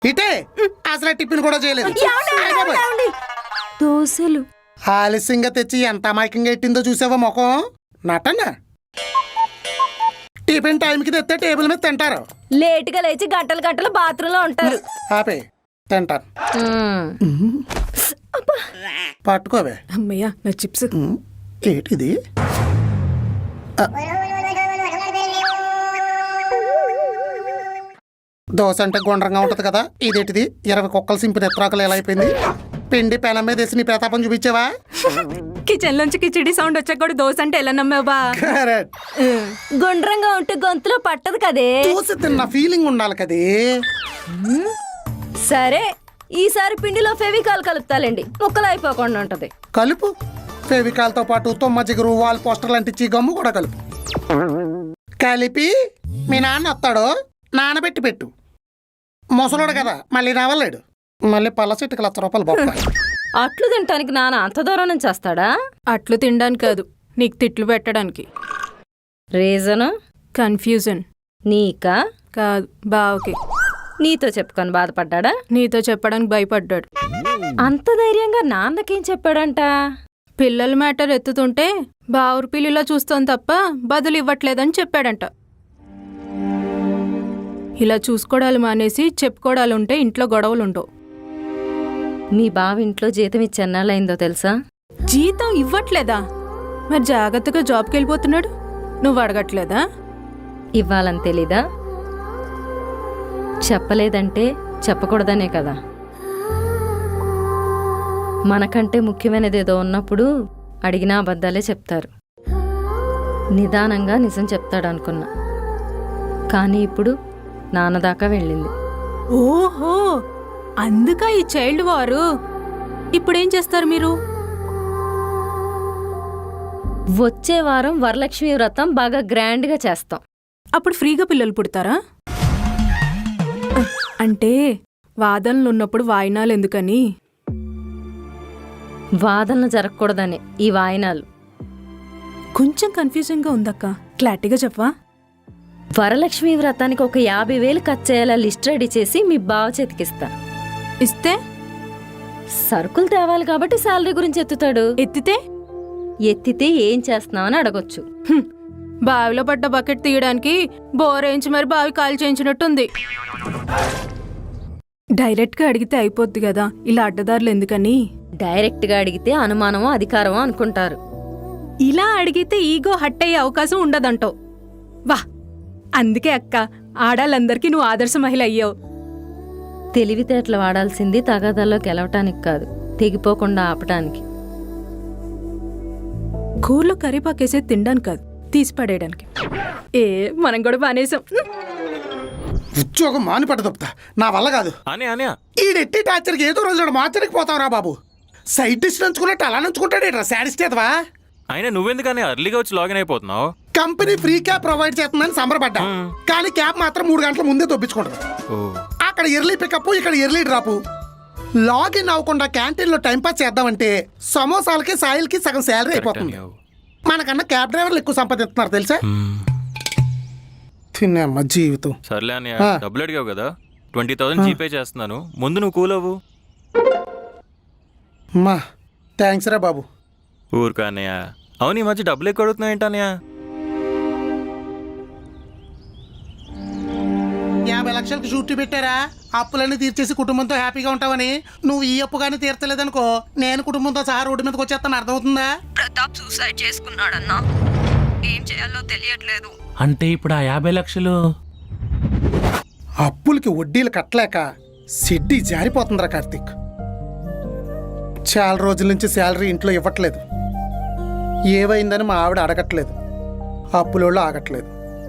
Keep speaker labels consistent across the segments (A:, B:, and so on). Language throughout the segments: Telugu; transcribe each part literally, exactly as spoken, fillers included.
A: ఇటే అసలు టిఫిన్ కూడా చేయలేదు.
B: దోశలు
A: ఆలస్యంగా తెచ్చి ఎంత అమాయకంగా ఎట్టిందో చూసావా ముఖం. నటన టిఫిన్ టైంకి తెస్తే టేబుల్ మీద తింటారు.
B: లేట్ గా లేచి గంటలు గంటలు బాత్రూమ్ లో ఉంటారు.
A: ఆపే తింటారు. పట్టుకోవే.
B: అమ్మయ్యా నా చిప్స్.
A: ఏంటిది? దోశ అంటే గుండ్రంగా ఉంటది కదా, ఇదేంటిది ఇరవై కుక్కలు సింపిన ఎత్రాకలు ఎలా అయిపోయింది? పిండి పెనం మీద వేసి నీ ప్రతాపం చూపించావా?
B: కిచెన్ లోంచి కిచిడి సౌండ్ వచ్చాక కూడా దోశ అంటే ఎలా నమ్మావా? గుండ్రంగా ఉంటే గొంతులో పట్టదు కదే.
A: దోశ తిన్న ఫీలింగ్ ఉండాలి కదే.
B: సరే ఈసారి పిండిలో ఫెవికాల్ కలుపుతాలండి, ముక్కలు అయిపోకుండా ఉంటది.
A: కలుపు. ఫెవికాల్ తో పాటు తొమ్మ జిగురు వాల్ పోస్టర్లు అంటించి గమ్ము కూడా కలుపు. కలిపి మీ నాన్న వస్తాడు, నానబెట్టి పెట్టు. ముసలోడు కదా మళ్ళీ రావలేడు. మళ్ళీ పళ్ళ చెట్టుకి లక్ష రూపాయలు బొక్క.
B: అట్లు తినటానికి నాన్న అంత దూరం నుంచి వస్తాడా?
C: అట్లు తినడానికి కాదు, నీకు తిట్లు పెట్టడానికి.
B: రీజను?
C: కన్ఫ్యూజన్.
B: నీకా?
C: కాదు, బావకి.
B: నీతో చెప్పుకొని బాధపడ్డా?
C: నీతో చెప్పడానికి భయపడ్డాడు.
B: అంత ధైర్యంగా నాన్నకేం చెప్పాడంట?
C: పిల్లల మ్యాటర్ ఎత్తుతుంటే బావురు పిల్లిలా చూస్తాం తప్ప బదులు ఇవ్వట్లేదని చెప్పాడంట. ఇలా చూసుకోవడాలు మానేసి చెప్పుకోవడాలు ఉంటే ఇంట్లో గొడవలు ఉండవు.
B: మీ బావ ఇంట్లో జీతం ఇచ్చి ఎన్నాళ్ళైందో తెలుసా?
C: జీతం ఇవ్వట్లేదా? మరి జాగ్రత్తగా జాబ్కి వెళ్ళిపోతున్నాడు, నువ్వు అడగట్లేదా?
B: ఇవ్వాలని తెలీదా? చెప్పలేదంటే చెప్పకూడదనే కదా. మనకంటే ముఖ్యమైనది ఏదో ఉన్నప్పుడు అడిగినా అబద్ధాలే చెప్తారు. నిదానంగా నిజం చెప్తాడు అనుకున్నా, కానీ ఇప్పుడు నాన్నదాకా వెళ్ళింది.
C: ఓహో, అందుక ఈ చైల్డ్ వారు. ఇప్పుడేం చేస్తారు మీరు?
B: వచ్చే వారం వరలక్ష్మి వ్రతం బాగా గ్రాండ్గా చేస్తాం.
C: అప్పుడు ఫ్రీగా పిల్లలు పుడతారా? అంటే వాదనలు ఉన్నప్పుడు వాయినాలు ఎందుకని?
B: వాదనలు జరగకూడదని ఈ వాయినాలు.
C: కొంచెం కన్ఫ్యూజింగ్గా ఉందక్క, క్లారిటీగా చెప్పవా?
B: వరలక్ష్మి వ్రతానికి ఒక యాభై వేలు ఖర్చు చేయాలా లిస్ట్ రెడీ చేసి మీ బావ చేతికిస్తా.
C: ఇస్తే
B: సరుకులు తేవాలి కాబట్టి శాలరీ గురించి ఎత్తుతాడు.
C: ఎత్తితే
B: ఎత్తితే ఏం చేస్తున్నావని అడగొచ్చు.
C: బావిలో పడ్డ బకెట్ తీయడానికి బోరేంచి మరి బావి కాల్ చేయించినట్టుంది. డైరెక్ట్గా అడిగితే అయిపోద్ది కదా, ఇలా అడ్డదారులు ఎందుకని?
B: డైరెక్ట్గా అడిగితే అనుమానమో అధికారమో అనుకుంటారు.
C: ఇలా అడిగితే ఈగో హట్ అయ్యే అవకాశం ఉండదంటావు. వా, అందుకే అక్క ఆడాలందరికీ నువ్వు ఆదర్శ మహిళ అయ్యావు.
B: తెలివితేటలు వాడాల్సింది తగాదాల్లో గెలవటానికి కాదు, తెగిపోకుండా ఆపటానికి.
C: కూరలో కరివేపాకేసే తినడానికి కాదు, తీసి పడేయడానికి. ఏ మనం కూడా బానేసాం.
A: ఉద్యోగం మాని పట్ట తప్పుతా, నా వల్ల కాదు. ఈడెట్టి టార్చర్కి ఏదో రోజు మార్చడానికి పోతావురా బాబు. సైడ్ డిష్ నంచుకున్నట్టు అలా నంచుకుంటాడేట్రా శాడిస్టేదవా.
D: అయినా నువ్వెందుకని అర్లీగా వచ్చి లాగిన్ అయిపోతున్నావు?
A: కంపెనీ ఫ్రీ క్యాబ్ ప్రొవైడ్ చేస్తుందని సంబరపడ్డా, కానీ క్యాబ్ మాత్రం మూడు గంటల ముందే తొప్పించుకుంటారు. అక్కడ ఎర్లీ పికప్, ఇక్కడ ఎర్లీ డ్రాప్. లాగిన్ అవ్వకుండా క్యాంటీన్ లో టైంపాస్ చేద్దామంటే సమోసాలకి సాయిల్కి సగం శాలరీ అయిపోతుంది. మనకన్నా క్యాబ్ డ్రైవర్లు ఎక్కువ సంపాదిస్తున్నారు తెలుసా. తిన్నమ్మ జీవితం.
D: సర్లే అన్నయ్య, డబ్బులు అడిగావు కదా, ట్వంటీ థౌసండ్ జీపే చేస్తున్నాను, ముందు నువ్వు కూల్ అవ్వు.
A: మా థ్యాంక్స్ రా బాబు.
D: ఊరుకా అన్నయ్య. అవును, ఈ మధ్య డబ్బులు ఎక్కువ అడుగుతున్నావు ఏంటన్నయ్య?
A: యాభై లక్షలకి షూట్ పెట్టారా, అప్పులన్నీ తీర్చేసి కుటుంబంతో హ్యాపీగా ఉంటావని. నువ్వు ఈ అప్పు కానీ తీర్చలేదనుకో, నేను కుటుంబంతో సహా రోడ్డు మీదకి వచ్చేస్తాను, అర్థమవుతుందా?
E: ప్రతాప్ సూసైడ్ చేసుకున్నాడన్నా, ఏం చేయాలో తెలియట్లేదు.
F: అంటే ఇప్పుడు ఆ యాభై లక్షలు
A: అప్పులకి వడ్డీలు కట్టలేక సిడ్డి జారిపోతుందిరా కార్తీక్. చాలా రోజుల నుంచి శాలరీ ఇంట్లో ఇవ్వట్లేదు. ఏవైందని మా ఆవిడ అడగట్లేదు, అప్పులోళ్ళు ఆగట్లేదు.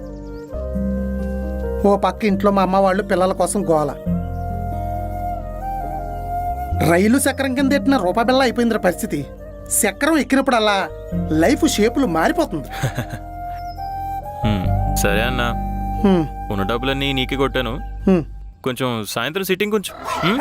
A: ఓ పక్క ఇంట్లో మా అమ్మ వాళ్ళు పిల్లల కోసం గోల. రైలు చక్రం కింద ఎట్టిన రూపాయి బిళ్ళ అయిపోయిందిరా పరిస్థితి. చక్రం ఎక్కినప్పుడల్లా లైఫ్ షేపులు మారిపోతుంది.
D: సరే అన్న, ఉన్న డబ్బులన్నీ నీకే కొట్టాను. కొంచెం సాయంత్రం సిట్టింగ్ కొంచెం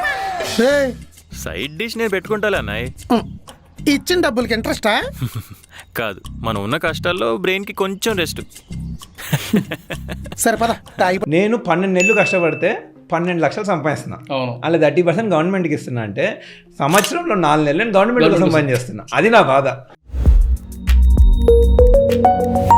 D: సైడ్ డిష్ నేను పెట్టుకుంటాలే అన్నాయ్.
A: ఇచ్చిన డబ్బులకి ఇంట్రెస్టా?
D: కాదు, మనం ఉన్న కష్టాల్లో బ్రెయిన్ కి కొంచెం రెస్ట్.
A: సరిపదా.
G: నేను పన్నెండు నెలలు కష్టపడితే పన్నెండు లక్షలు సంపాదిస్తున్నా,
H: అవును.
G: అలా థర్టీ పర్సెంట్ గవర్నమెంట్కి ఇస్తున్నా అంటే సంవత్సరంలో నాలుగు నెలలు నేను గవర్నమెంట్ కోసం పని చేస్తున్నా. అది నా బాధ.